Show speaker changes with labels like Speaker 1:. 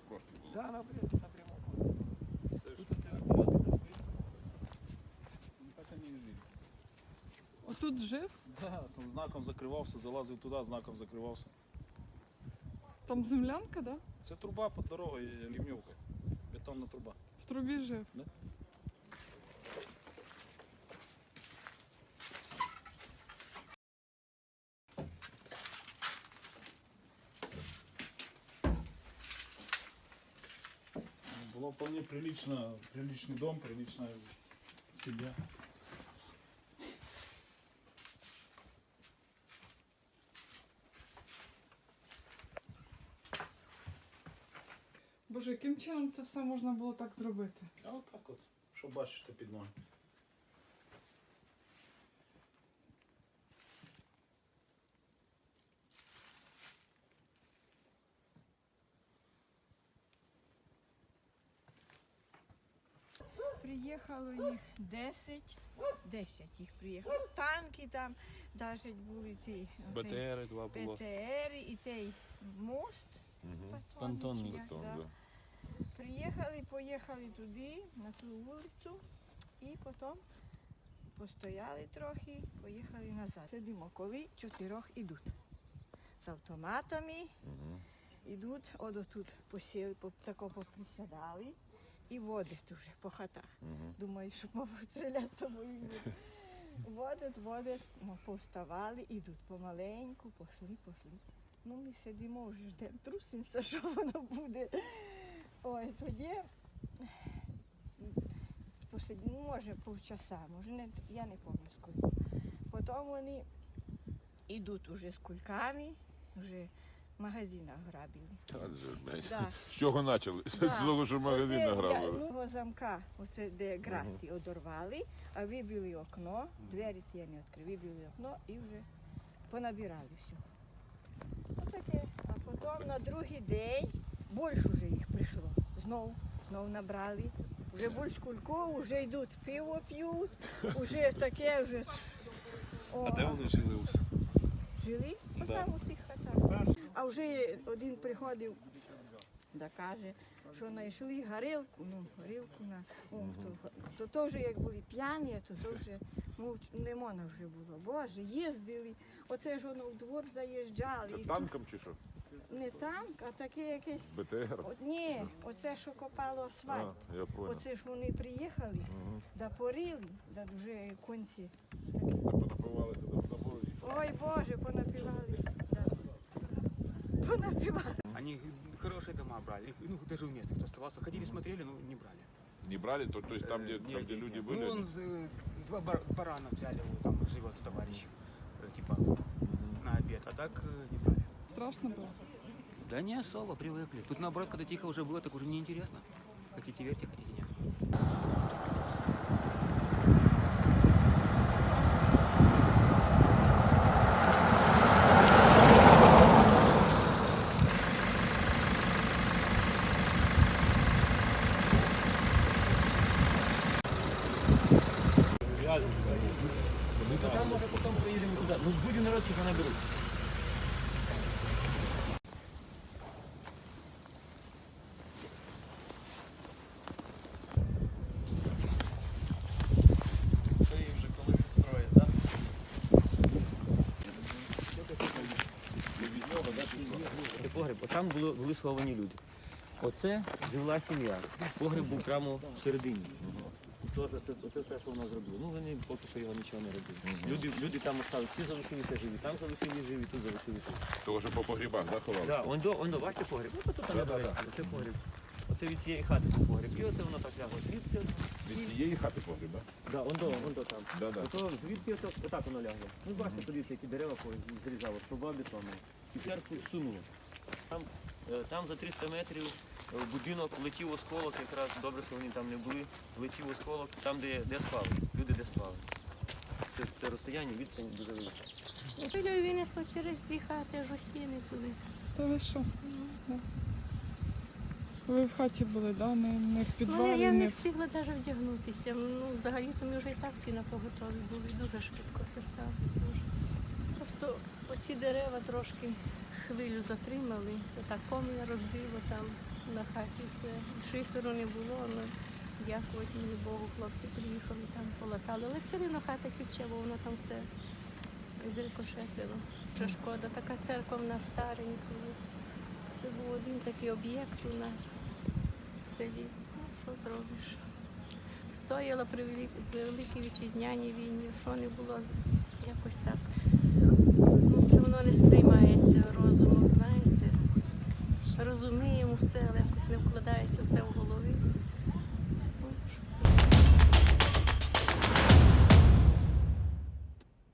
Speaker 1: навпроти було.
Speaker 2: Да, напряму.
Speaker 1: Це ж так вони і жили.
Speaker 3: Отут жив?
Speaker 1: Да, там знаком закривався, залазив туди, знаком закривався.
Speaker 3: Там землянка, да?
Speaker 1: Це труба під дорогою, лівньовка. Бетонна труба.
Speaker 3: В трубі жив.
Speaker 1: Да? Было вполне приличный дом, приличная семья.
Speaker 3: Боже, яким чином це все можна було так зробити?
Speaker 1: А от так от, що бачите під ноги.
Speaker 4: Приїхало їх 10 їх приїхало. Танки там, навіть були ті
Speaker 5: БТР два було.
Speaker 4: БТР і той мост.
Speaker 5: Понтонний.
Speaker 4: чи як, да. Приїхали, поїхали туди, на ту вулицю, і потім постояли трохи, поїхали назад. Сидимо, коли 4 йдуть. З автоматами йдуть, тут посіли, тако поприсядали. І водять вже по хатах. Думаю, що мабуть стріляти тобою. Водять, ми повставали, ідуть помаленьку, пішли. Ну ми сидимо, вже ждемо, трусимося, що воно буде. Ой, тоді посидимо, може півчаса, може не, я не пам'ятаю скільки. Потім вони йдуть уже з кульками, вже в магазинах грабили. Да.
Speaker 5: З чого почали? З того, що магазин награбили.
Speaker 4: Його замка, оце де грати, одорвали, а вибили окно, двері ті не відкрили, вибили окно і вже понабирали все. Отаке. А потім на другий день більше вже їх прийшло. Знов набрали. Вже більш кульку, вже йдуть, пиво п'ють, вже таке, вже...
Speaker 5: А де вони жили?
Speaker 4: Жили? Отам у тих хатах. А вже один приходив, да каже, що знайшли горілку, то вже як були п'яні, то вже не можна вже було. Боже, їздили, оце ж воно в двор заїжджали.
Speaker 5: Це танком чи що?
Speaker 4: Не танк, а таке якесь...
Speaker 5: БТР?
Speaker 4: Ні, оце, що копало асфальт.
Speaker 5: Я понял.
Speaker 4: Оце ж вони приїхали, да порили, да вже конці.
Speaker 5: Понапивалися до тобою.
Speaker 4: Ой, Боже, понапивались. Да. Понапивались.
Speaker 2: Они хорошие дома брали, ну даже у местных кто оставался. Ходили, смотрели, но не брали.
Speaker 5: Не брали? То есть там, где люди были?
Speaker 2: Ну, два барана взяли, вот там живет товарищ, типа, на обед, а так не брали.
Speaker 3: Страшно було.
Speaker 2: Да не особо, привыкли. Тут наоборот, когда тихо уже было, так уже неинтересно. Хотите верьте, хотите нет. Ну там може потім приїдемо туди. Ну будь народ, чи наберуть.
Speaker 6: Це їх вже коли строїть, так?
Speaker 7: Це погреб, там були сховані люди. Оце жила сім'я. Погреб був прямо всередині. Оце все, що вона зробила. Ну вони поки що його нічого не робили. Люди там осталися, всі залишилися живі, там залишилися живі, тут залишилися.
Speaker 5: Того, що по погрібах, да, ховали?
Speaker 7: Так, он до бачите погреб. Ну тут там оце погреб. Оце від цієї хати був погреб. І оце воно так лягло. Звідси.
Speaker 5: Від цієї хати погріб, так?
Speaker 7: Так, он до там. Ото звідки отак воно лягло. Ну бачите, подивіться, які дерева зрізало, труба бетонна. І церкву сунуло. Там за 300 метрів в будинок летів осколок, якраз добре, що вони там не були, летів осколок, там, де спали, люди де спали. Це розстояння, відстань дуже велика.
Speaker 8: Пилю винесло через 2 хати, аж осіни туди.
Speaker 3: Та ви що? Да. Ви в хаті були, да? Не в
Speaker 8: Ну,
Speaker 3: підвалі?
Speaker 8: я не встигла навіть вдягнутися. Ну, взагалі-то ми вже і так всі на поготові були. Дуже швидко все стало. Дуже. Просто оці дерева трошки хвилю затримали, то так комін розбило там. на хаті все. Шиферу не було, але дякувати мені Богу, хлопці приїхали, там полатали. Але все одно хата тіче, бо воно там все зрикошетило. Що шкода, така церква в нас старенька. Це був один такий об'єкт у нас в селі. Ну, що зробиш? Стояла при Великій Вітчизняній війні, що не було, якось так. Ну, це воно не сприймається розумом, знаєте. Розуміємо все, але якось не вкладається все в голові.